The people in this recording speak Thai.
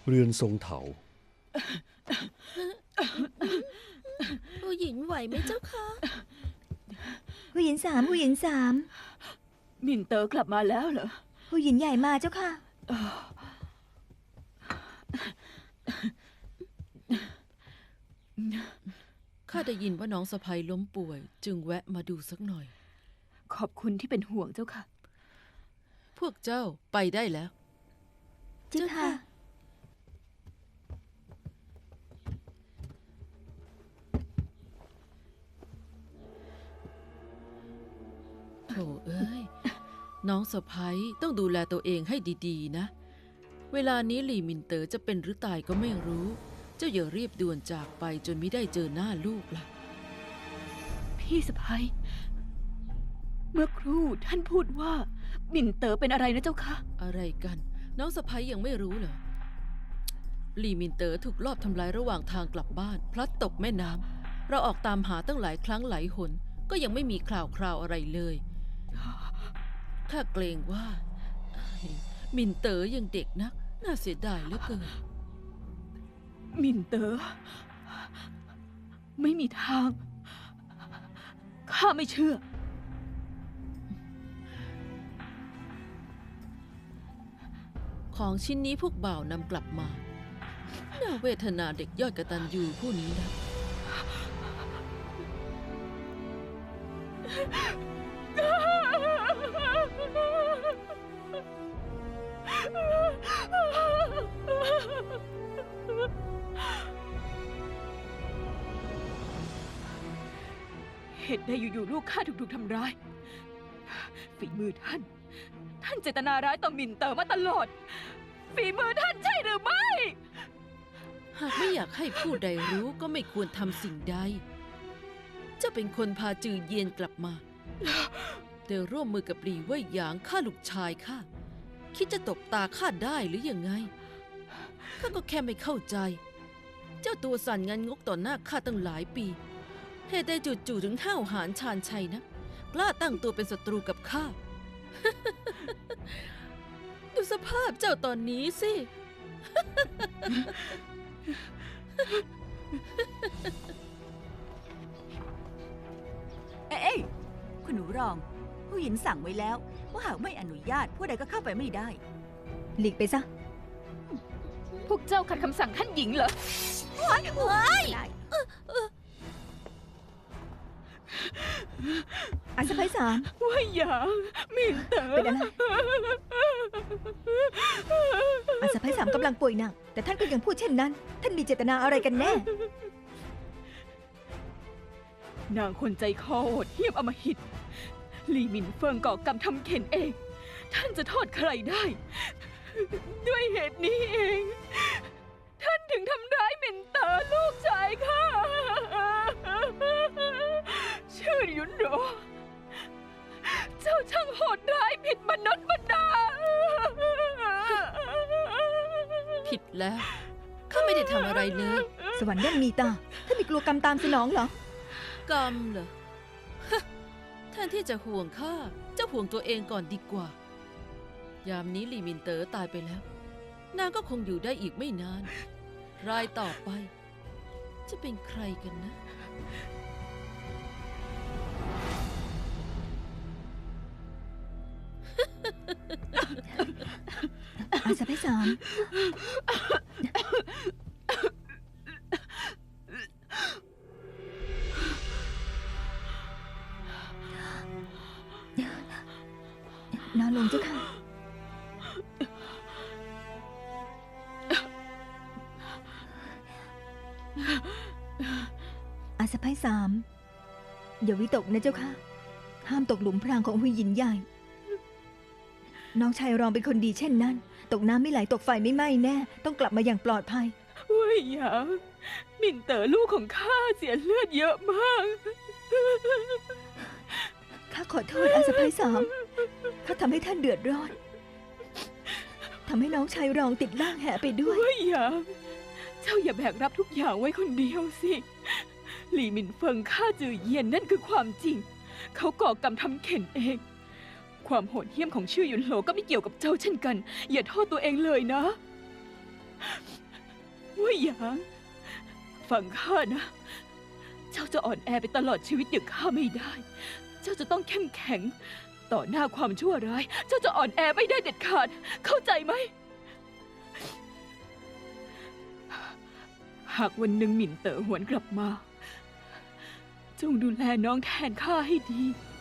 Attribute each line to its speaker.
Speaker 1: เรือนทรงเถา
Speaker 2: ผู้หญิงไหวไหมเจ้าคะ
Speaker 3: ผู้หญิง3ผู้หญิง3
Speaker 4: มินเตอร์กลับมาแล้วเหรอ
Speaker 3: ผู้หญิงใหญ่มาเจ้าค่ะ
Speaker 2: ข้าได้ยินว่าน้องสะใภ้ล้มป่วย จึงแวะมาดูสักหน่อย
Speaker 4: ขอบคุณที่เป็นห่วงเจ้าค่ะ
Speaker 2: พวกเจ้าไปได้แล้ว
Speaker 3: เจ้าค่ะ
Speaker 2: โธ่เอ้ยน้องสะใภ้ต้องดูแลตัวเองให้ดีๆนะเวลานี้หลี่มินเต๋อจะเป็นหรือตายก็ไม่รู้เจ้าอย่ารีบด่วนจากไปจนไม่ได้เจอหน้าลูกล่ะ
Speaker 4: พี่สะใภ้เมื่อครู่ท่านพูดว่ามินเต๋อเป็นอะไรนะเจ้าคะ
Speaker 2: อะไรกันน้องสะใภ้ยังไม่รู้เหรอหลี่มินเต๋อถูกลอบทำร้ายระหว่างทางกลับบ้านพลัดตกแม่น้ำเราออกตามหาตั้งหลายครั้งหลายหนก็ยังไม่มีข่าวอะไรเลยข้าเกรงว่ามินเต๋อยังเด็กนักน่าเสียดายเหลือเกิน
Speaker 4: มินเต๋อไม่มีทางข้าไม่เชื่อ
Speaker 2: ของชิ้นนี้พวกบ่าวนำกลับมาน่าเวทนาเด็กยอดกตัญญูผู้นี้นะ
Speaker 4: เหตุใดอยู่ๆลูกข้าถูกทำร้ายฝีมือท่านเจตนาร้ายต่อมินเต๋อมาตลอดฝีมือท่านใช่หรือไม่
Speaker 2: หากไม่อยากให้ผู้ใดรู้ก็ไม่ควรทำสิ่งใดเจ้าเป็นคนพาจือเยียนกลับมาแต่ร่วมมือกับหลี่เว่ยหยางฆ่าลูกชายข้าคิดจะตบตาข้าได้หรือยังไงข้าก็แค่ไม่เข้าใจเจ้าตัวสั่นงันงกต่อหน้าข้าตั้งหลายปีเหตุใดจู่ๆถึงห้าวหาญชาญชัยนะกล้าตั้งตัวเป็นศัตรูกับข้า ดูสภาพเจ้าตอนนี้สิ
Speaker 5: เอ้ยคุณหนูรองผู้หญิงสั่งไว้แล้วว่าหากไม่อนุญาตผู้ใดก็เข้าไปไม่ได้
Speaker 3: หลีกไปซะ
Speaker 4: พวกเจ้าขัดคำสั่งท่านหญิงเหรอ
Speaker 3: อันสะใภ้3
Speaker 4: ว่าอย่างมินเต๋อ
Speaker 3: เป็นอะไรอันสะใภ้3กำลังป่วยหนักแต่ท่านก็ยังพูดเช่นนั้นท่านมีเจตนาอะไรกันแน่
Speaker 4: นางคนใจคอโหดเหี้ยมอำมหิตหลี่หมินเฟิงก่อกรรมทำเข็นเองท่านจะโทษใครได้ด้วยเหตุนี้เองท่านถึงทำร้ายหมินเต๋อลูกชายข้าชื่อหยุนโรเจ้าช่างโหดร้ายผิดมนุษย์มนา
Speaker 2: ผิดแล้วข้าไม่ได้ทำอะไรเลย
Speaker 3: สวรรค์ย่อมมีตาท่านไม่กลัวกรรมตามสนองเหร
Speaker 2: อกรรมเหรอแทนที่จะห่วงข้าเจ้าห่วงตัวเองก่อนดีกว่ายามนี้หลี่มินเต๋อตายไปแล้วนางก็คงอยู่ได้อีกไม่นานรายต่อไปจะเป็นใครกันนะ
Speaker 3: อันสะใภ้3นอนลงเจ้าค่ะอาสะใภ้3อย่าวิตกนะเจ้าค่ะห้ามตกหลุมพรางของหุยหยินใหญ่น้องชายรองเป็นคนดีเช่นนั้นตกน้ำไม่ไหลตกไฟไม่ไหม้แน่ต้องกลับมาอย่างปลอดภัย
Speaker 4: เว่ยหยางมินเต๋อลูกของข้าเสียเลือดเยอะมาก
Speaker 3: ข้าขอโทษอาสะใภ้3ข้าทำให้ท่านเดือดร้อนทำให้น้องชายรองติดล่างแหไปด้วย
Speaker 4: เว่ยหยางเจ้าอย่าแบกรับทุกอย่างไว้คนเดียวสิหลี่หมินเฟิงฆ่าจือเยียนนั่นคือความจริงเขาก่อกรรมทำเข็นเองความโหดเหี้ยมของชื่อหยุนโหลก็ไม่เกี่ยวกับเจ้าเช่นกันอย่าโทษตัวเองเลยนะว่าหยาง ฟังข้านะ เจ้าจะอ่อนแอไปตลอดชีวิตอย่างข้าไม่ได้ เจ้าจะต้องเข้มแข็ง ต่อหน้าความชั่วร้าย เจ้าจะอ่อนแอไม่ได้เด็ดขาด เข้าใจไหม หากวันหนึ่งหมิ่นเต๋อหวนกลับมา จงดูแลน้องแทนข้าให้ดี